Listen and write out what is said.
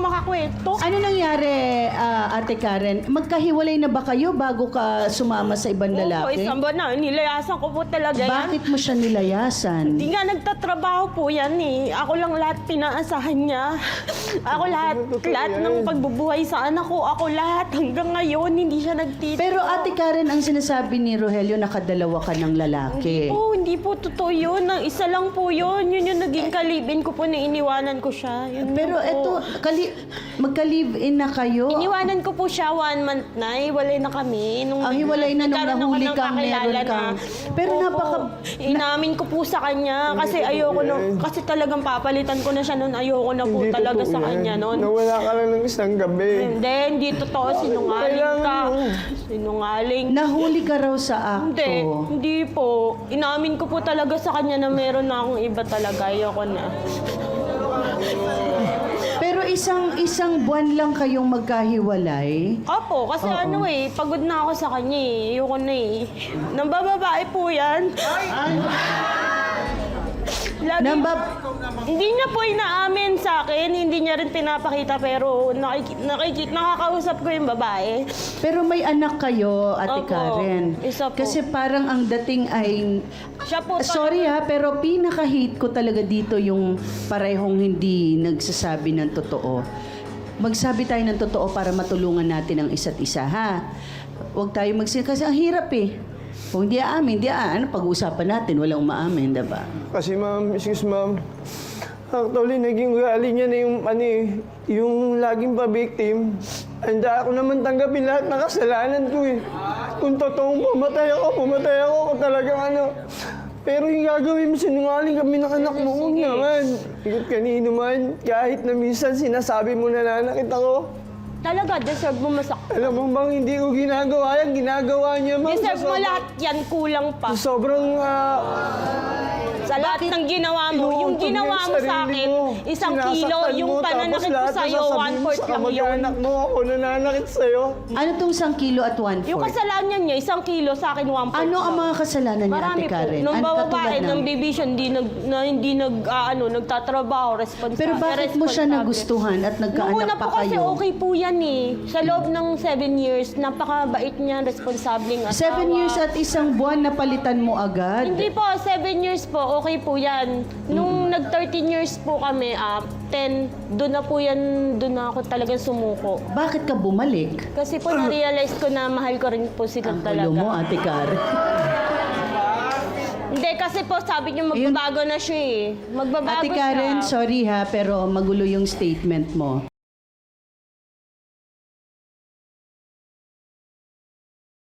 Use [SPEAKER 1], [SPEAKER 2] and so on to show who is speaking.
[SPEAKER 1] makakwento.
[SPEAKER 2] Ano nangyari, Ate Karen? Magkahiwalay na ba kayo bago ka sumama sa ibang
[SPEAKER 1] Opo,
[SPEAKER 2] lalaki?
[SPEAKER 1] isang buwan na. Nilayasan ko po talaga yan.
[SPEAKER 2] Bakit mo siya nilayasan?
[SPEAKER 1] Hindi nga nagtatrabaho po yan eh. Ako lang lahat pinaasahan niya. Ako lahat ng pagbubuhay sa anak ko. Ako lahat hanggang ngayon hindi siya nagtito.
[SPEAKER 2] Pero Ate Karen, ang sinasabi ni Rogelio, nakadalawa ka ng lalaki.
[SPEAKER 1] Hindi po totoo yun. Ang isa lang po yun. Yun yung naging kalibin ko po na iniwanan ko siya. Yun
[SPEAKER 2] Pero
[SPEAKER 1] po.
[SPEAKER 2] eto, magka-live-in na kayo.
[SPEAKER 1] Iniwanan ko po siya 1 month na. Hiwalay na kami.
[SPEAKER 2] Hiwalay na nung
[SPEAKER 1] nagkaroon ako
[SPEAKER 2] nahuli
[SPEAKER 1] ng
[SPEAKER 2] kang
[SPEAKER 1] kakilala
[SPEAKER 2] meron kang... Pero
[SPEAKER 1] Opo. Inamin ko po sa kanya kasi ayoko na, kasi talagang papalitan ko na siya noon. Ayoko na po talaga sa kanya noon.
[SPEAKER 3] Nawala ka lang ng isang gabi.
[SPEAKER 1] Hindi totoo. Sinungaling ka. Sinungaling.
[SPEAKER 2] Nahuli ka raw sa akto.
[SPEAKER 1] Hindi po. Inamin ko po talaga sa kanya na meron na akong iba talaga. Ayoko na.
[SPEAKER 2] Pero isang buwan lang kayong magkahiwalay.
[SPEAKER 1] Opo, kasi pagod na ako sa kanya eh. Ayoko na eh. Nambababae po yan. Lagi, hindi niya po inaamin sa akin, hindi niya rin pinapakita, pero nakakausap ko yung babae.
[SPEAKER 2] Pero may anak kayo, Ate
[SPEAKER 1] Opo,
[SPEAKER 2] Karen.
[SPEAKER 1] isa po.
[SPEAKER 2] Kasi parang ang dating ay...
[SPEAKER 1] Siya po
[SPEAKER 2] Sorry ha, pero pinaka-hate ko talaga dito yung parehong hindi nagsasabi ng totoo. Magsabi tayo ng totoo para matulungan natin ang isa't isa, ha? Huwag tayo kasi ang hirap eh. Kung di aamin, ano pag-uusapan natin, walang umaamin, diba?
[SPEAKER 3] Kasi ma'am, excuse ma'am, actually naging ugali niya na yung laging pa-victim. Handa ako naman tanggapin lahat ng kasalanan ko eh. Kung totoong pumatay ako kung talagang Pero yung gagawin mo, sinungaling kami ng anak mo, huwag naman. Ikot kanino man, kahit na minsan sinasabi mo na nanakit ako.
[SPEAKER 1] Talaga, deserve mo masaktan.
[SPEAKER 3] Alam mo bang hindi ko ginagawa yan, ginagawa niya ma'am.
[SPEAKER 1] Deserve mo lahat yan, kulang pa.
[SPEAKER 3] Sobrang
[SPEAKER 1] Sa lahat ng ginawa mo, yung
[SPEAKER 3] inuuntog
[SPEAKER 1] ginawa
[SPEAKER 3] yung
[SPEAKER 1] mo sa
[SPEAKER 3] sarili
[SPEAKER 1] akin,
[SPEAKER 3] mo.
[SPEAKER 1] 1 kilo,
[SPEAKER 3] Sinasaktan
[SPEAKER 1] yung
[SPEAKER 3] mo,
[SPEAKER 1] pananakit
[SPEAKER 3] tapos
[SPEAKER 1] ko
[SPEAKER 3] lahat
[SPEAKER 1] sa'yo,
[SPEAKER 3] na sasabihin mo
[SPEAKER 1] 1/4
[SPEAKER 3] sa
[SPEAKER 1] lang yun.
[SPEAKER 3] kamag-anak mo, ako nananakit sa'yo.
[SPEAKER 2] Ano tong 1 kilo at 1/4?
[SPEAKER 1] Yung kasalanan niya, 1 kilo, sa akin 1/4
[SPEAKER 2] Ano ang mga kasalanan niya,
[SPEAKER 1] Marami
[SPEAKER 2] Ate Karen?
[SPEAKER 1] po. Nung
[SPEAKER 2] Ano
[SPEAKER 1] babae,
[SPEAKER 2] katulad
[SPEAKER 1] ng division, hindi nagtatrabaho, responsable.
[SPEAKER 2] Pero bakit mo siya nagustuhan at
[SPEAKER 1] Nung
[SPEAKER 2] nagkaanak
[SPEAKER 1] una
[SPEAKER 2] pa
[SPEAKER 1] po kasi
[SPEAKER 2] kayo?
[SPEAKER 1] okay po yan eh. Sa loob ng 7 years, napakabait niya, responsabling asawa.
[SPEAKER 2] 7 years at 1 buwan napalitan mo agad?
[SPEAKER 1] Hindi po, 7 years po, okay po yan. Nung nag-13 years po kami, 10, doon na po yan, doon na ako talagang sumuko.
[SPEAKER 2] Bakit ka bumalik?
[SPEAKER 1] Kasi po na-realize ko na mahal ko rin po sila
[SPEAKER 2] Ang
[SPEAKER 1] talaga.
[SPEAKER 2] gulo mo, Ate Karen.
[SPEAKER 1] Hindi, kasi po sabi niyo magbabago na siya eh. Magbabago
[SPEAKER 2] Ate Karen,
[SPEAKER 1] siya.
[SPEAKER 2] sorry ha, pero magulo yung statement mo.